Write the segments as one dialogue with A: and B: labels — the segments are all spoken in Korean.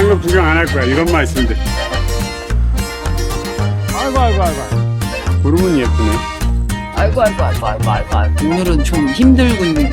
A: 딴 거 구경 안 할 거야. 이것만 있으면 돼. 아이고. 구름은 예쁘네.
B: 아이고. 오늘은 좀 힘들군요.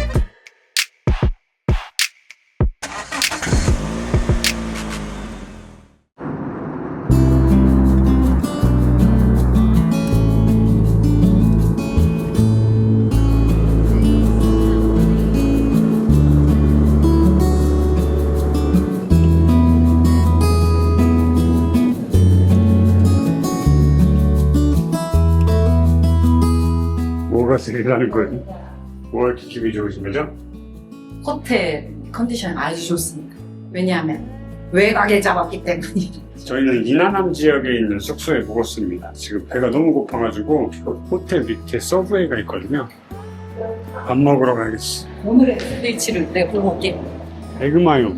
A: 뭐가 세일하는 거지? 뭐가 이렇게 기분이 좋으신 거죠?
B: 호텔 컨디션이 아주 좋습니다. 왜냐하면 외곽에 잡았기 때문이죠.
A: 저희는 이나남 지역에 있는 숙소에 묵었습니다. 지금 배가 너무 고파가지고 호텔 밑에 서브웨이가 있거든요. 밥 먹으러 가야겠어.
B: 오늘의 스위치를 내볼게.
A: 에그마요.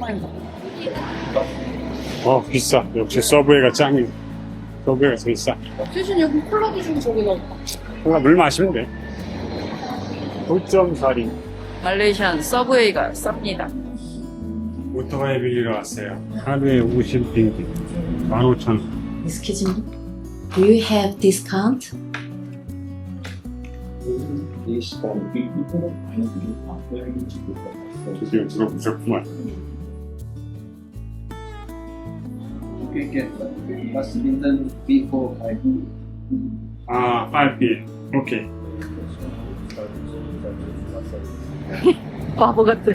A: 비싸. 역시 서브웨이가 짱이야. 서브웨이가 제일 싸.
B: 최준 여기 콜라도 좀 저기다.
A: 뭔가 물 마시면 돼. 9.4리.
B: 말레이시안 서브웨이가 쌉니다.
A: 오토바이 빌리러 왔어요. 하루에 50링기. 15,000원.
B: Excuse me. Do you have discount?
A: 드디어 들어보셨구만. 아, 5P. 오케이.
B: 바보 같아.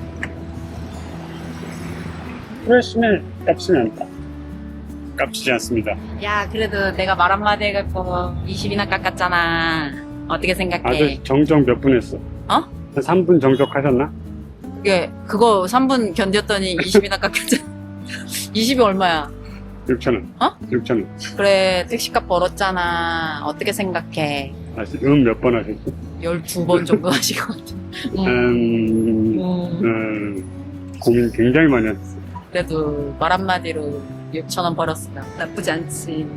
A: 프레시멜 값은 않다. 값이지 않습니다.
B: 야, 그래도 내가 말 한마디 해갖고 20이나 깎았잖아. 어떻게 생각해?
A: 아주 정적 몇 분 했어?
B: 어?
A: 한 3분 정적하셨나?
B: 그거 3분 견뎠더니 20이나 깎였잖아. 20이 얼마야?
A: 6,000원.
B: 어?
A: 6,000원.
B: 그래, 택시값 벌었잖아. 어떻게 생각해?
A: 다시 몇 번 하셨어?
B: 12번 정도 하신 것 같아.
A: 고민 굉장히 많이 했어.
B: 그래도 말 한마디로 6,000원 벌었으면 나쁘지 않지.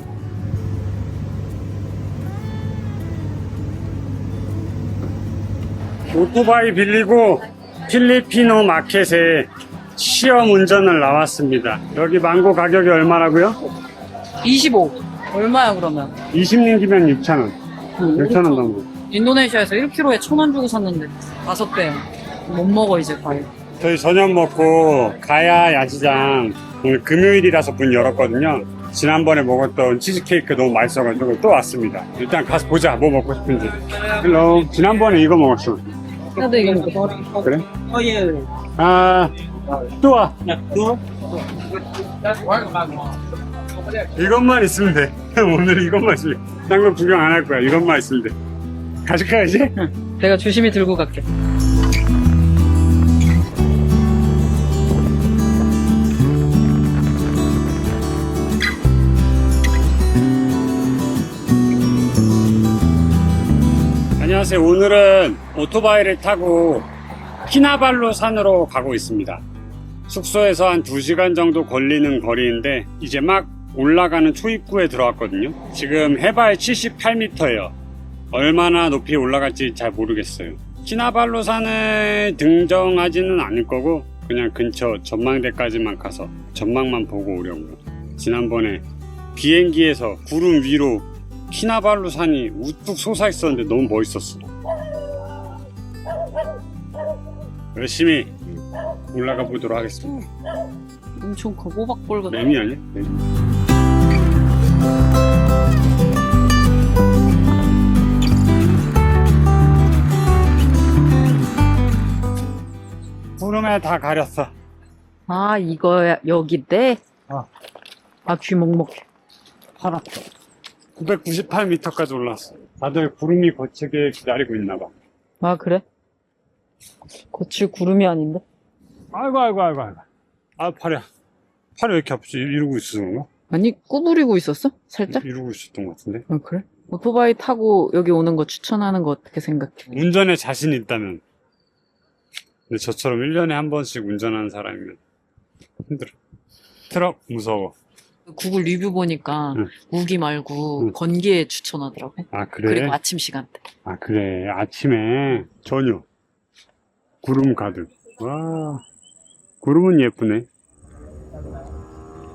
A: 오토바이 빌리고 필리피노 마켓에 시험 운전을 나왔습니다. 여기 망고 가격이 얼마라고요?
B: 25. 얼마야, 그러면?
A: 20링기면 6,000원. 6,000원 넘고.
B: 인도네시아에서 1kg에 1,000원 주고 샀는데 5배. 못 먹어, 이제 과일.
A: 저희 저녁 먹고 가야 야시장 오늘 금요일이라서 문 열었거든요. 지난번에 먹었던 치즈케이크 너무 맛있어가지고 또 왔습니다. 일단 가서 보자. 뭐 먹고 싶은지. 헬로. 지난번에 이거 먹었어.
B: 나도 이거 먹어.
A: 그래? 아, 또 와. 이것만 있으면 돼. 오늘 이것만 있으면 돼. 딴 거 구경 안 할 거야. 이것만 있으면 돼. 가실까 이제?
B: 내가 조심히 들고 갈게.
A: 안녕하세요. 오늘은 오토바이를 타고 키나발루 산으로 가고 있습니다. 숙소에서 한 2시간 정도 걸리는 거리인데 이제 막 올라가는 초입구에 들어왔거든요. 지금 해발 78m예요. 얼마나 높이 올라갈지 잘 모르겠어요. 키나발루 산을 등정하지는 않을 거고 그냥 근처 전망대까지만 가서 전망만 보고 오려고요. 지난번에 비행기에서 구름 위로 키나발루 산이 우뚝 솟아 있었는데 너무 멋있었어. 열심히 올라가 보도록 하겠습니다.
B: 엄청 커, 호박볼 같아.
A: 매미 아니야? 매미. 구름에 다 가렸어.
B: 아, 이거야, 여기인데?
A: 아,
B: 귀먹먹.
A: 파랗다. 998m까지 올랐어. 다들 구름이 거치게 기다리고 있나봐.
B: 아, 그래? 거칠 구름이 아닌데?
A: 아이고. 아, 팔이야. 팔이 왜 이렇게 아프지? 이러고 있었던 건가?
B: 아니, 구부리고 있었어? 살짝?
A: 이러고 있었던 것 같은데?
B: 아, 그래? 오토바이 타고 여기 오는 거 추천하는 거 어떻게 생각해?
A: 운전에 자신 있다면. 근데 저처럼 1년에 한 번씩 운전하는 사람이면 힘들어. 트럭 무서워.
B: 구글 리뷰 보니까
A: 응.
B: 우기 말고
A: 응.
B: 건기에 추천하더라고.
A: 아, 그래?
B: 그리고 아침 시간대.
A: 아, 그래. 아침에 저녁. 구름 가득. 와, 구름은 예쁘네.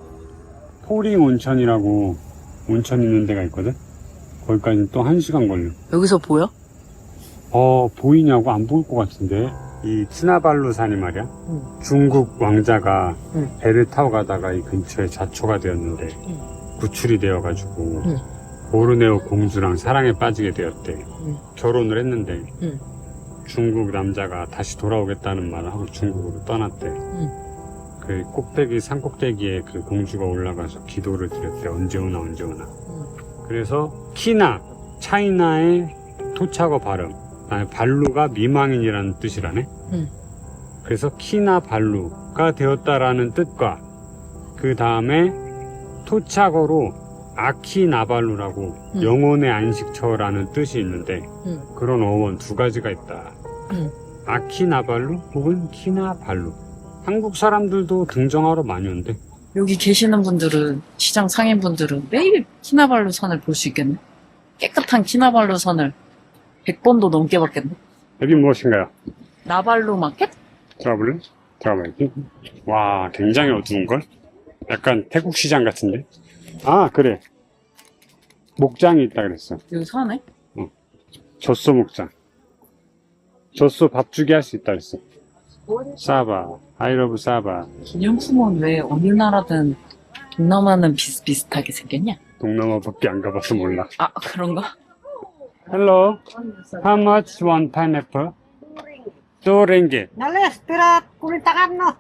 A: 포링 온천이라고 온천 있는 데가 있거든? 거기까지는 또 1시간 걸려.
B: 여기서 보여?
A: 보이냐고? 안 보일 것 같은데. 이 키나발루산이 말이야. 중국 왕자가 배를 타고 가다가 이 근처에 자초가 되었는데 구출이 되어가지고 보르네오 공주랑 사랑에 빠지게 되었대. 결혼을 했는데 중국 남자가 다시 돌아오겠다는 말을 하고 중국으로 떠났대. 그 꼭대기 산 꼭대기에 그 공주가 올라가서 기도를 드렸대. 언제 오나 언제 오나. 그래서 키나 차이나의 토착어 발음, 그다음에 발루가 미망인이라는 뜻이라네. 그래서 키나 발루가 되었다라는 뜻과 그 다음에 토착어로 아키나발루라고 영혼의 안식처라는 뜻이 있는데 그런 어원 두 가지가 있다. 아키나발루 혹은 키나발루. 한국 사람들도 등정하러 많이 온대.
B: 여기 계시는 분들은, 시장 상인분들은 매일 키나발루 산을 볼 수 있겠네? 깨끗한 키나발루 산을 100번도 넘게 봤겠네?
A: 여기 무엇인가요?
B: 나발루 마켓?
A: 들어볼래? 들어봐야지. 와, 굉장히 어두운걸? 약간 태국 시장 같은데? 아, 그래. 목장이 있다 그랬어.
B: 여기 사네?
A: 젖소 목장. 젖소 밥주기 할 수 있다 그랬어. 사바. 아이러브 사바.
B: 기념품은 왜 어느 나라든 동남아는 비슷비슷하게 생겼냐?
A: 동남아밖에 안 가봐서 몰라.
B: 아, 그런가?
A: Hello. How much one pineapple? 2 ringgit.
C: Dale, espera, kulintakan no.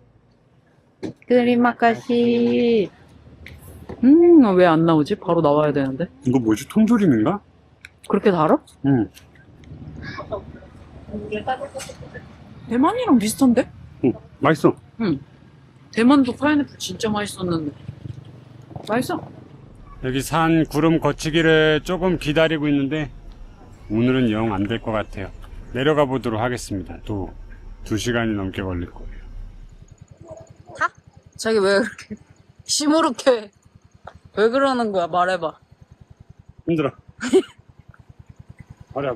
B: 드리마카시. 왜 안 나오지? 바로 나와야 되는데.
A: 이거 뭐지? 통조림인가?
B: 그렇게 달아?
A: 응.
B: 대만이랑 비슷한데?
A: 맛있어.
B: 대만도 파인애플 진짜 맛있었는데. 맛있어.
A: 여기 산 구름 거치기를 조금 기다리고 있는데 오늘은 영 안 될 것 같아요. 내려가 보도록 하겠습니다. 또 2시간이 넘게 걸릴 거예요.
B: 자기 왜 그렇게 시무룩해? 왜 그러는 거야? 말해봐.
A: 힘들어. 어려.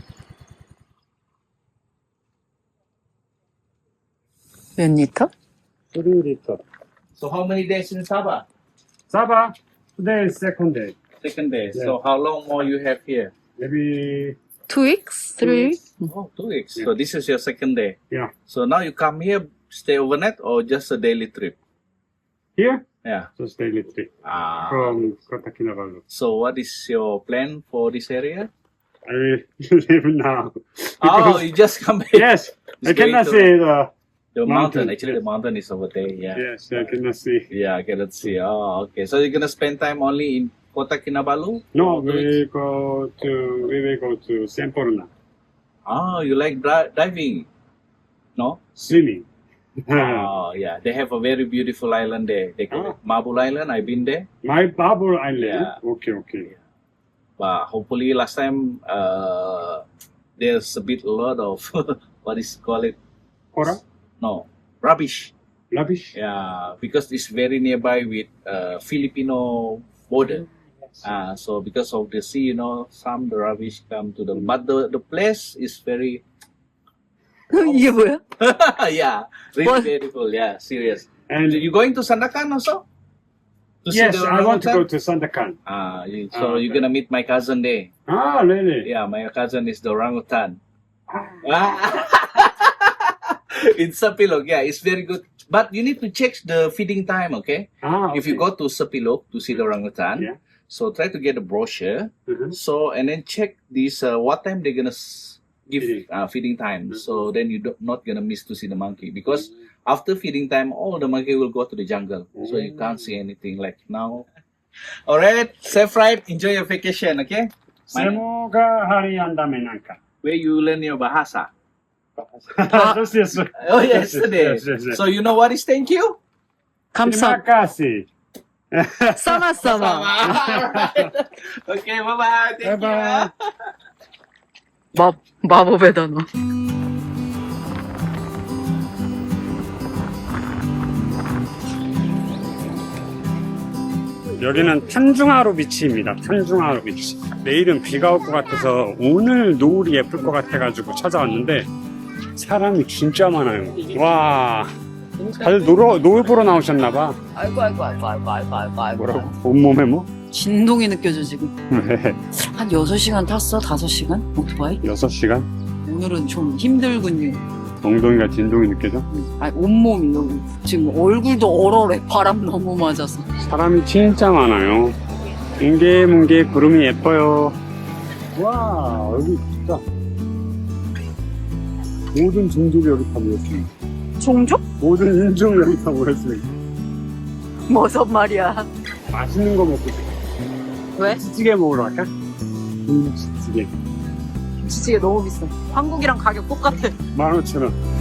B: 몇 리터?
A: 3리터.
D: So how many days in Sabah?
A: 사바. Today is second day.
D: Second day.
A: Yeah.
D: So how long more you have here?
A: Maybe
B: 2 weeks? 3 weeks?
D: Oh, 2 weeks. So this is your second day.
A: yeah.
D: So now you come here, stay overnight or just a daily trip?
A: Here,
D: Yeah.
A: just daily trip
D: Ah.
A: from Kota Kinabalu.
D: So what is your plan for this area?
A: I will leave now.
D: Oh, you just come here.
A: Yes, I
D: It's going
A: cannot
D: to-
A: see the.
D: The mountain.
A: Mountain.
D: Actually, the mountain is over there. Yeah.
A: Yes, I cannot see.
D: Yeah, I cannot see. Oh, okay. So you're gonna spend time only in Kota Kinabalu?
A: No,
D: For 2 weeks?
A: we will go to Semporna
D: Oh, you like diving? No?
A: swimming.
D: Oh, yeah. They have a very beautiful island there. They call it Mabul Island. I've been there.
A: My Babur Island.
D: Yeah.
A: Okay, okay.
D: But hopefully last time there's a lot of what is call it?
A: Kora,
D: No, rubbish.
A: rubbish.
D: Yeah, because it's very nearby with Filipino border. So because of the sea, some the rubbish come to the but the place is very
B: 이게 뭐야?
D: yeah, really
B: What?
D: beautiful. Yeah, serious.
A: And
D: You going to Sandakan also? To see
A: yes,
D: the
A: I want to go
D: orangutan?
A: to Sandakan.
D: So you're gonna meet my cousin there.
A: Ah, really?
D: Yeah, my cousin is the orangutan. In Sapilog, yeah, it's very good. But you need to check the feeding time, okay? If you go to Sapilog to see the orangutan,
A: Yeah.
D: so try to get a brochure.
A: Mhm.
D: So and then check this what time they're gonna give feeding time. So then you're not gonna miss to see the monkey because after feeding time, all the monkey will go to the jungle, so you can't see anything like now. All right, safe ride. Enjoy your vacation, okay?
A: 세모가 하리한다면 난까.
D: Where you learn your bahasa?
A: Yes, yes.
D: Oh, yesterday.
A: Yes, yes, yes.
D: So you know what is thank you?
A: Terima kasih.
B: 싸마싸마.
D: Alright. Okay, bye-bye. Thank
A: Bye-bye.
B: 마법의 단어.
A: 여기는 탄중하루 비치입니다. 탄중하루 비치. 내일은 비가 올 것 같아서 오늘 노을이 예쁠 것 같아가지고 찾아왔는데 사람이 진짜 많아요. 와, 다들 놀보러 나오셨나봐.
B: 아이고.
A: 뭐라고? 온몸에 뭐?
B: 진동이 느껴져, 지금.
A: 왜?
B: 한 6시간 탔어? 5시간? 오토바이?
A: 6시간?
B: 오늘은 좀 힘들군요.
A: 엉덩이가 진동이 느껴져?
B: 아니, 온몸이 너무. 지금 얼굴도 얼얼해. 바람 너무 맞아서.
A: 사람이 진짜 많아요. 뭉게뭉게 구름이 예뻐요. 와, 여기 진짜 모든 종족이 여기 다 모였습니다.
B: 종족?
A: 모든 인종이 여기 다 모였습니다.
B: 무슨 말이야.
A: 맛있는 거 먹고 싶어.
B: 왜?
A: 김치찌개 먹으러 갈까? 김치찌개.
B: 김치찌개 너무 비싸. 한국이랑 가격 똑같아.
A: 15,000원.